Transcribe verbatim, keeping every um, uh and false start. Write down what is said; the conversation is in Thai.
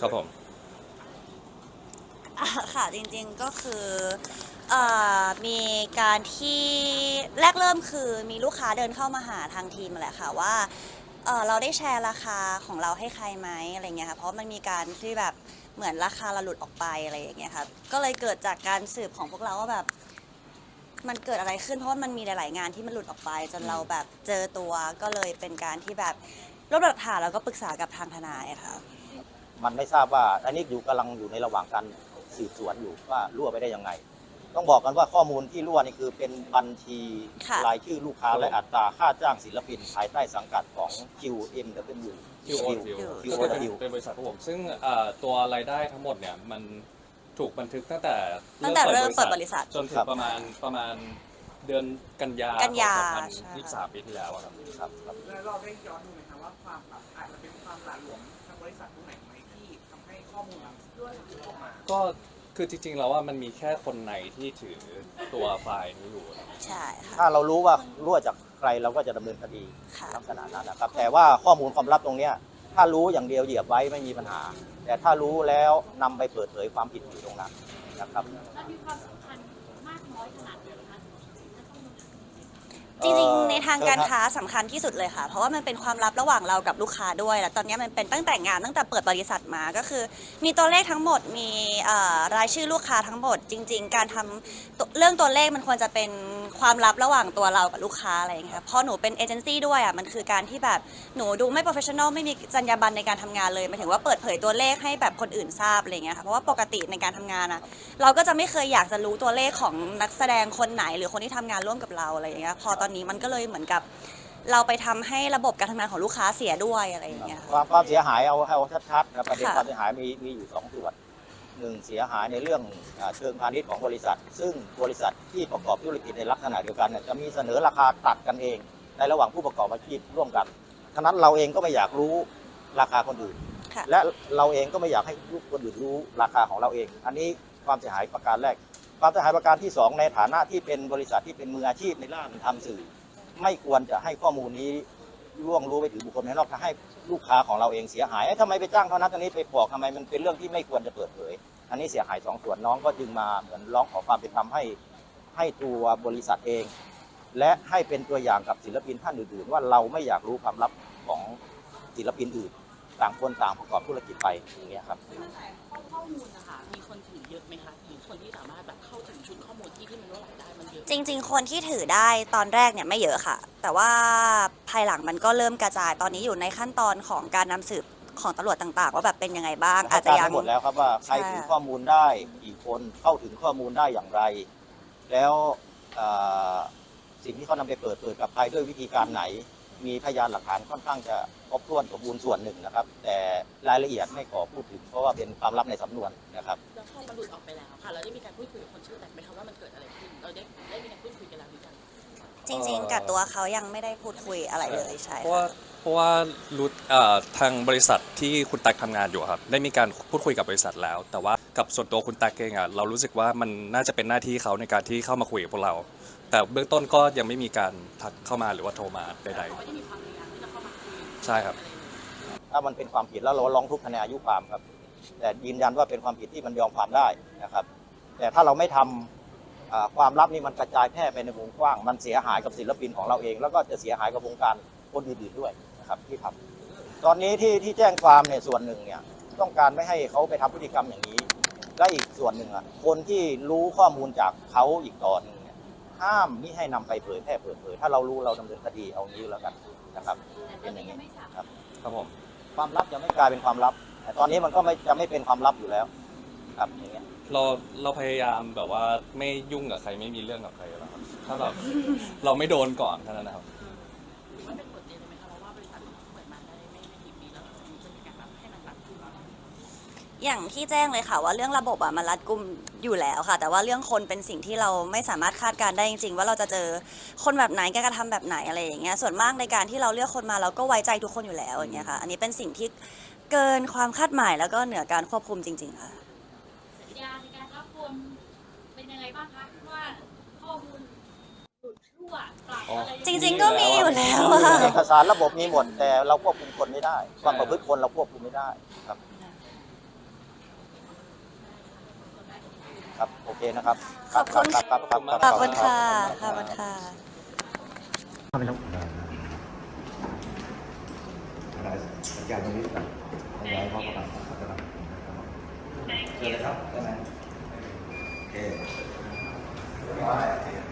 ครับผมค่ะจริงๆก็คือเอ่อมีการที่แรกเริ่มคือมีลูกค้าเดินเข้ามาหาทางทีมแหละค่ะว่าเอ่อเราได้แชร์ราคาของเราให้ใครไหมอะไรเงี้ยค่ะเพราะมันมีการที่แบบเหมือนราคาเราหลุดออกไปอะไรอย่างเงี้ยครับก็เลยเกิดจากการสืบของพวกเราว่าแบบมันเกิดอะไรขึ้นเพราะว่ามันมีหลายๆงานที่มันหลุดออกไปจนเราแบบเจอตัวก็เลยเป็นการที่แบบรวบรวมหลักฐานแล้วก็ปรึกษากับทางทนายค่ะมันไม่ทราบว่าอันนี้อยู่กำลังอยู่ในระหว่างการสืบสวนอยู่ว่ารั่วไปได้ยังไงต้องบอกกันว่าข้อมูลที่รั่วนี่คือเป็นบัญชีรายชื่อลูกค้าและอัตราค่าจ้างศิลปินภายใต้สังกัดของ คิว เอ็ม ดับเบิลยูคิว โอ ดับเบิลยูคิว โอเป็นดับเบิลยูเป็นบริษัทของผมซึ่งเอ่อตัวรายได้ทั้งหมดเนี่ยมันถูกบันทึกตั้งแต่ตั้งแต่เริ่มเปิดบริษัทจนถึงประมาณประมาณเดือนกันยากันยาสองพันยี่สิบสามปีที่แล้วอะครับครับครับแล้วเราได้ย้อนดูไหมคะว่าความแบบอาจจะเป็นความหละหลวมทางบริษัทตรงไหนไหมที่ทำให้ข้อมูลมันด้วยออกมาก็คือจริงๆแล้วว่ามันมีแค่คนในที่ถือตัวไฟล์นี้อยู่นะใช่ค่ะถ้าเรารู้ว่ารั่วจากใครเราก็จะดำเนินคดีค่ะลักษณะนั้นนะครับแต่ว่าข้อมูลความลับตรงเนี้ยถ้ารู้อย่างเดียวเหยียบไว้ไม่มีปัญหา แต่ถ้ารู้แล้วนำไปเปิดเผยความผิดอยู่ตรงนั้นนะครับมันมีความสำคัญมากน้อยขนาดไหนคะถ้าข้อมูลจริงๆในทางการค้าสำคัญที่สุดเลยค่ะเพราะว่ามันเป็นความลับระหว่างเรากับลูกค้าด้วยแล้วตอนนี้มันเป็นตั้งแต่งานตั้งแต่เปิดบริษัทมาก็คือ มีตัวเลขทั้งหมดมีรายชื่อลูกค้าทั้งหมดจริงๆการทำเรื่องตัวเลขมันควรจะเป็นความลับระหว่างตัวเรากับลูกค้าอะไรอย่างเงี้ยพอหนูเป็นเอเจนซี่ด้วยอ่ะมันคือการที่แบบหนูดูไม่โปรเฟชชั่นอลไม่มีจรรยาบรรณในการทำงานเลยหมายถึงว่าเปิดเผยตัวเลขให้แบบคนอื่นทราบอะไรเงี้ยค่ะเพราะว่าปกติในการทำงานอ่ะเราก็จะไม่เคยอยากจะรู้ตัวเลขของนักแสดงคนไหนหรือคนที่ทำงานร่วมกับเราอะไรอย่างเงี้ยพอตอนนี้มันก็เลยเหมือนกับเราไปทำให้ระบบการทำงานของลูกค้าเสียด้วยอะไรอย่างเงี้ยความความเสียหายเอาเอาชัดๆนะประเด็นความเสียหายมีมีอยู่สองส่วนหนึ่งเสียหายในเรื่องเชิงพาณิชย์ของบริษัท ซึ่งบริษัทที่ประกอบธุรกิจในลักษณะเดียวกันเนี่ยจะมีเสนอราคาตัดกันเองในระหว่างผู้ประกอบอาชีพร่วมกันฉะนั้นเราเองก็ไม่อยากรู้ราคาคนอื่นและเราเองก็ไม่อยากให้ลูกคนอื่นรู้ราคาของเราเอง อันนี้ความเสียหายประการแรกความเสียหายประการที่สองในฐานะที่เป็นบริษัทที่เป็นมืออาชีพในด้านทำสื่อไม่ควรจะให้ข้อมูลนี้ล่วงรู้ไปถึงบุคคลภายนอกถ้าให้ลูกค้าของเราเองเสียหายทำไมไปจ้างเท่านั้นตอนนี้ไปบอกทำไมมันเป็นเรื่องที่ไม่ควรจะเปิดเผยอันนี้เสียหายสองส่วนน้องก็จึงมาเหมือนร้องขอความเป็นธรรมให้ให้ตัวบริษัทเองและให้เป็นตัวอย่างกับศิลปินท่านอื่นๆว่าเราไม่อยากรู้ความลับของศิลปินอื่นต่างคนต่างประกอบธุรกิจไปอย่างเงี้ยครับข้อมูลนะคะมีคนถือเยอะไหมคะหรือคนที่สามารถแบบเข้าถึงชุดข้อมูลที่ที่มันรั่วไหลได้มันเยอะจริงๆคนที่ถือได้ตอนแรกเนี่ยไม่เยอะค่ะแต่ว่าภายหลังมันก็เริ่มกระจายตอนนี้อยู่ในขั้นตอนของการนำสืบของตำรวจต่างๆว่าแบบเป็นยังไงบ้างอาจจะยังหมดแล้วครับว่าใครถือข้อมูลได้กี่คนเข้าถึงข้อมูลได้อย่างไรแล้วสิ่งที่เขานำไปเปิดเปิดกับใครด้วยวิธีการไหนมีพยานหลักฐานค่อนข้างจะครบถ้วนสมบูรณ์ส่วนหนึ่งนะครับแต่รายละเอียดไม่ขอพูดถึงเพราะว่าเป็นความลับในสำนวนนะครับแล้วพอมันหลุดออกไปแล้วค่ะเราได้มีการพูดคุยกับคนชื่อแตกไหมคะว่ามันเกิดอะไรขึ้นเราได้ได้มีการพูดคุยกันแล้วหรือยังจริงๆกับตัวเขายังไม่ได้พูดคุยอะไรเลยใช่เพราะว่าเพราะว่ารู้ทางบริษัทที่คุณตั๊กทำงานอยู่ครับได้มีการพูดคุยกับบริษัทแล้วแต่ว่ากับส่วนตัวคุณตั๊กเองอ่ะเรารู้สึกว่ามันน่าจะเป็นหน้าที่เขาในการที่เข้ามาคุยกับพวกเราแต่เบื้องต้นก็ยังไม่มีการทักเข้ามาหรือว่าโทรมาใดๆใช่ครับถ้ามันเป็นความผิดแล้วเราร้องทุกข์ในอายุความครับแต่ยืนยันว่าเป็นความผิดที่มันยอมความได้นะครับแต่ถ้าเราไม่ทำความลับนี้มันกระจายแพร่ไปในวงกว้างมันเสียหายกับศิลปินของเราเองแล้วก็จะเสียหายกับวงการคนอื่นๆด้วยนะครับที่ทำตอนนี้ที่ที่แจ้งความเนี่ยส่วนหนึ่งเนี่ยต้องการไม่ให้เขาไปทำพฤติกรรมอย่างนี้และอีกส่วนหนึ่งอ่ะคนที่รู้ข้อมูลจากเขาอีกตอนนึงเนี่ยห้ามมิให้นำไปเผยแพร่เปิดเผยถ้าเรารู้เราดำเนินคดีเอางี้แล้วกันนะครับเป็นอย่างนี้ครับครับผมความลับจะไม่กลายเป็นความลับแต่ตอนนี้มันก็ไม่จะไม่เป็นความลับอยู่แล้วครับอย่างเงี้ยเราเราพยายามแบบว่าไม่ยุ่งกับใครไม่มีเรื่องกับใครแล้วครับถ้าแบบเราไม่โดนก่อนเท่านั้นนะครับมันเป็นบทเรียนเลยไหมคะว่าบริษัทเปิดมาได้ไม่ไม่กี่ปีแล้วจะมีการแบบให้มันตัดขึ้นแล้วอย่างที่แจ้งเลยค่ะว่าเรื่องระบบอะมันรัดกุมอยู่แล้วค่ะแต่ว่าเรื่องคนเป็นสิ่งที่เราไม่สามารถคาดการได้จริงๆว่าเราจะเจอคนแบบไหนการกระทำแบบไหนอะไรอย่างเงี้ยส่วนมากในการที่เราเลือกคนมาเราก็ไว้ใจทุกคนอยู่แล้วอย่างเงี้ยค่ะอันนี้เป็นสิ่งที่เกินความคาดหมายแล้วก็เหนือการควบคุมจริงๆค่ะสัญญาในการรับคนเป็นยังไงบ้างคะว่าข้อมูลหลุดรั่วปรับอะไรจริงๆก็มีอยู่แล้วเอกสารระบบมีหมดแต่เราควบคุมคนไม่ได้ความประพฤติคนเราควบคุมไม่ได้ครับเคนะครับขอบคุณครับครับครับขอบคุณค่ะขอบคุณค่ะ ada kerjaan ini kan yang mau apa kanเชิญเลยครับได้ไหมโอเค